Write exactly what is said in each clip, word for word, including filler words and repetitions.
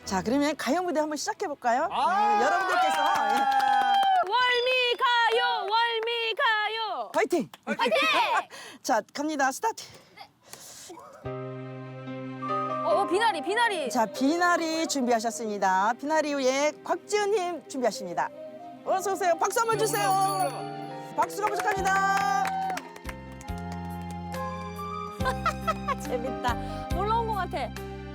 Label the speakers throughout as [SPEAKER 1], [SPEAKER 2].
[SPEAKER 1] 자, 그러면 가요 무대 한번 시작해 볼까요?
[SPEAKER 2] 아
[SPEAKER 1] 네, 여러분들께서 예.
[SPEAKER 3] 월미 가요, 월미 가요.
[SPEAKER 1] 화이팅!
[SPEAKER 3] 화이팅!
[SPEAKER 1] 자, 갑니다. 스타트.
[SPEAKER 3] 어, 비나리, 비나리.
[SPEAKER 1] 자, 비나리 준비하셨습니다. 비나리 후에 곽지은님 준비하십니다. 어서 오세요. 박수 한번 주세요. 박수가 부족합니다.
[SPEAKER 3] 재밌다. 놀러 온 것 같아.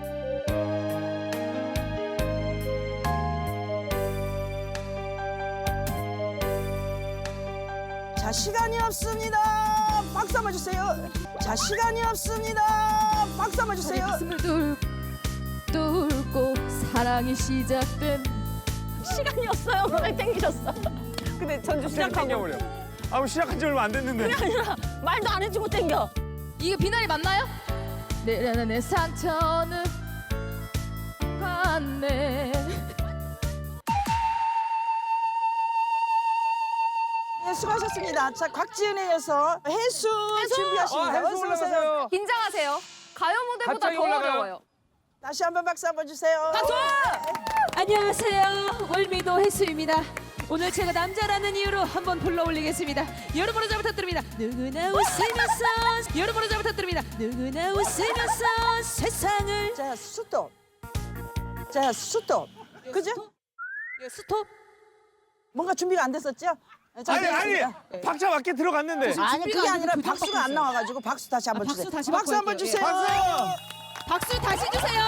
[SPEAKER 1] 자, 시간이 없습니다. 박수 한번 주세요. 자, 시간이 없습니다. 박수 한번 주세요.
[SPEAKER 4] 가슴을 뚫, 뚫고 사랑이 시작된
[SPEAKER 3] 시간이 없어요. 노래 땡기셨어. 근데 전주 시작하고.
[SPEAKER 2] 땡겨버려. 아, 시작한 지 얼마 안 됐는데.
[SPEAKER 3] 그게 아니라 말도 안 해주고 땡겨.
[SPEAKER 4] 이게 비나리 맞나요? 내, 내, 내 상처는 갔네.
[SPEAKER 1] 네, 수고하셨습니다. 자, 곽지은에 이어서 해수, 준비하십니다.
[SPEAKER 2] 아, 해수
[SPEAKER 1] 어서 오세요.
[SPEAKER 2] 올라가세요.
[SPEAKER 3] 긴장하세요. 가요 무대보다
[SPEAKER 2] 갑자기
[SPEAKER 3] 더
[SPEAKER 2] 올라가요.
[SPEAKER 3] 어려워요.
[SPEAKER 1] 다시 한번 박수 한번 주세요.
[SPEAKER 3] 박수!
[SPEAKER 4] 안녕하세요. 월미도 해수입니다. 오늘 제가 남자라는 이유로 한번 불러 올리겠습니다. 여러분을 잘 부탁드립니다. 누구나 웃으면서 여러분을 잘 부탁드립니다. 누구나 웃으면서 세상을
[SPEAKER 1] 자, 스톱. 자, 스톱. 그죠?
[SPEAKER 4] 예, 스톱.
[SPEAKER 1] 뭔가 준비가 안 됐었죠? 자,
[SPEAKER 2] 아니, 아니,
[SPEAKER 1] 됐습니다. 네.
[SPEAKER 2] 박자 맞게 들어갔는데.
[SPEAKER 1] 아니,
[SPEAKER 4] 준비가
[SPEAKER 1] 그게
[SPEAKER 4] 안
[SPEAKER 1] 아니라
[SPEAKER 4] 돼서 그냥
[SPEAKER 1] 박수가 안
[SPEAKER 4] 바꿨어요.
[SPEAKER 1] 나와가지고 박수 다시 한번
[SPEAKER 4] 아, 박수
[SPEAKER 1] 주세요.
[SPEAKER 4] 다시
[SPEAKER 1] 박수 한번
[SPEAKER 4] 바꿔볼게요.
[SPEAKER 1] 주세요.
[SPEAKER 2] 박수!
[SPEAKER 4] 박수 다시 주세요.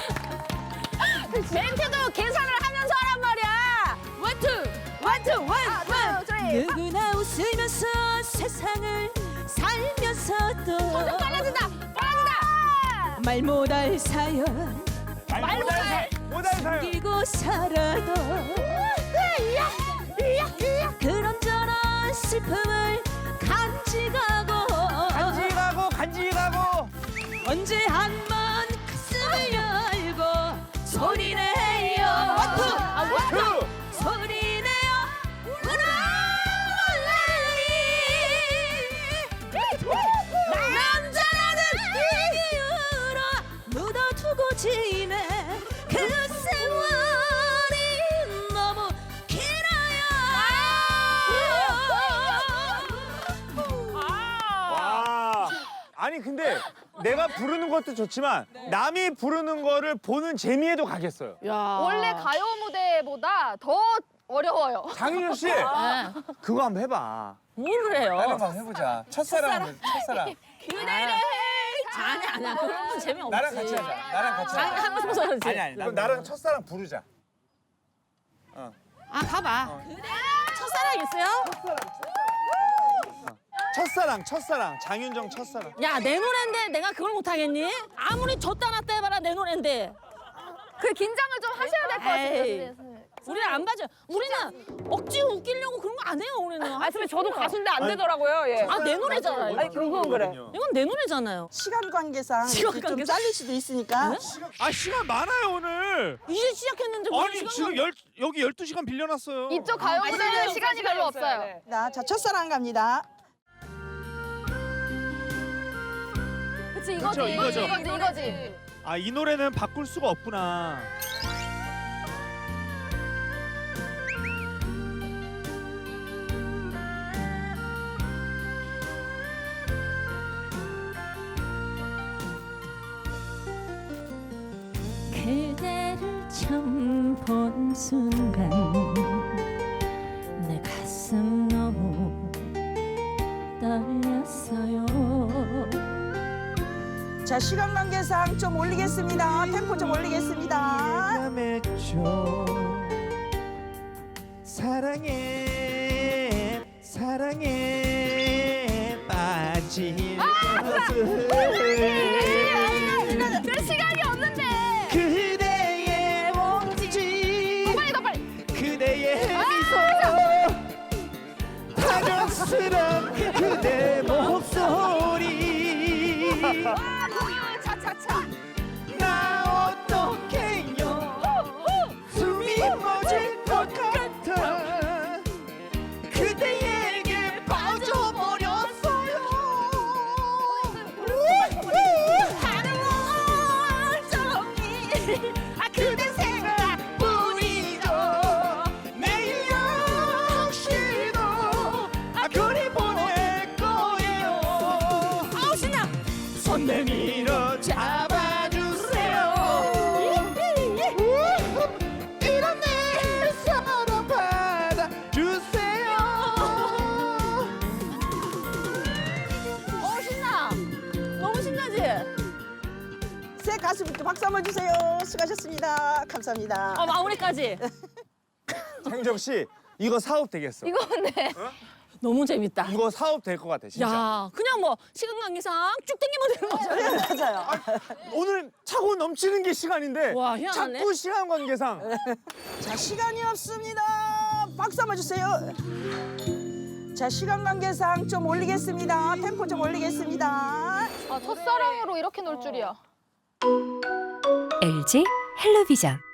[SPEAKER 3] 멘트도 계산을 하면서 하란 말이야.
[SPEAKER 4] 원투.
[SPEAKER 3] 원투, 원, 원, 쓰리.
[SPEAKER 4] 누구나 웃으면서 세상을 살면서도
[SPEAKER 3] 점점 빨라진다, 빨라진다.
[SPEAKER 4] 말 못할 사연
[SPEAKER 2] 말 못할 못할 사연.
[SPEAKER 4] 끼고 살아도 그런저런 슬픔을 간직하고
[SPEAKER 2] 간직하고 간직하고.
[SPEAKER 4] 언제 한번 가슴을 열고 소리내요
[SPEAKER 3] 아, 원투.
[SPEAKER 2] 투.
[SPEAKER 4] 소리내요 울어라 남자라는 이유로 묻어두고 지내 그 세월이 너무 길어요
[SPEAKER 2] 와. 아니 근데 내가 부르는 것도 좋지만 남이 부르는 거를 보는 재미에도 가겠어요.
[SPEAKER 3] 원래 가요 무대보다 더 어려워요.
[SPEAKER 2] 장윤정 씨, 그거 한번 해봐.
[SPEAKER 3] 뭘 해요?
[SPEAKER 2] 한번 해보자. 첫사랑, 첫사랑.
[SPEAKER 3] 그대를 아니 아니야 그런 건 재미없지.
[SPEAKER 2] 나랑 같이 하자. 나랑 같이
[SPEAKER 3] 아니
[SPEAKER 2] 하자.
[SPEAKER 3] 하고 싶어서 그렇지.
[SPEAKER 2] 아니 아니. 그럼 나랑 첫사랑 부르자.
[SPEAKER 3] 아 가봐. 첫사랑 있어요?
[SPEAKER 2] 첫사랑, 첫사랑. 장윤정 첫사랑.
[SPEAKER 3] 야 내 노래인데 내가 그걸 못하겠니? 아무리 줬다 놨다 해봐라 내 노래인데. 그 긴장을 좀 하셔야 될 것 같아요. 우리는 안 봐줘. 우리는 억지로 웃기려고 그런 거 안 해요 우리는. 아 근데 저도 가수인데 안 되더라고요. 예. 아내 노래잖아요. 아니 그건 그래. 이건 내 노래잖아요.
[SPEAKER 1] 시간 관계상
[SPEAKER 3] 시간
[SPEAKER 1] 이렇게 좀
[SPEAKER 3] 관계상?
[SPEAKER 1] 잘릴 수도 있으니까
[SPEAKER 2] 아 시간 많아요 오늘.
[SPEAKER 3] 이제 시작했는데 뭘
[SPEAKER 2] 아니
[SPEAKER 3] 시간이
[SPEAKER 2] 지금 열 여기 열두 시간 빌려놨어요.
[SPEAKER 3] 이쪽 가요 무대는 시간이 별로 없어요.
[SPEAKER 1] 자, 첫사랑 갑니다.
[SPEAKER 3] 그치
[SPEAKER 2] 그쵸,
[SPEAKER 3] 이거지.
[SPEAKER 2] 이거죠.
[SPEAKER 3] 이거지 이거지.
[SPEAKER 2] 아 이 노래는 바꿀 수가 없구나.
[SPEAKER 4] 그대를 처음 본 순간 내 가슴 너무 떨렸어요
[SPEAKER 1] 자, 시간 관계상 좀 올리겠습니다. 템포 좀 올리겠습니다.
[SPEAKER 2] 맺죠. 사랑해 사랑해 빠질 것을
[SPEAKER 3] 그 시간이 없는데.
[SPEAKER 2] 그대의 몸짓
[SPEAKER 3] 빨리 더 빨리.
[SPEAKER 2] 그대의 미소 다정스런 그대 목소리
[SPEAKER 3] 아 공유 차차차.
[SPEAKER 2] 나 어떡해요 숨이 멎을 것 같아 그대에게 빠져버렸어요
[SPEAKER 3] 하늘 멀쩡히 아 그대 생
[SPEAKER 1] 한번 주세요. 수고하셨습니다. 감사합니다.
[SPEAKER 3] 어, 마무리까지.
[SPEAKER 2] 장정 씨 이거 사업 되겠어.
[SPEAKER 5] 이거 근데
[SPEAKER 3] 너무 재밌다.
[SPEAKER 2] 이거 사업 될 것 같아 진짜.
[SPEAKER 3] 야, 그냥 뭐 시간 관계상 쭉 당기면 되는 거잖아.
[SPEAKER 1] 맞아요.
[SPEAKER 2] 오늘 차고 넘치는 게 시간인데
[SPEAKER 3] 와, 희한하네.
[SPEAKER 2] 자꾸 시간 관계상
[SPEAKER 1] 자, 시간이 없습니다. 박수 한번 주세요. 자, 시간 관계상 좀 올리겠습니다. 템포 좀 올리겠습니다.
[SPEAKER 5] 아, 첫사랑으로 이렇게 놀 줄이야.
[SPEAKER 6] 엘지 헬로비전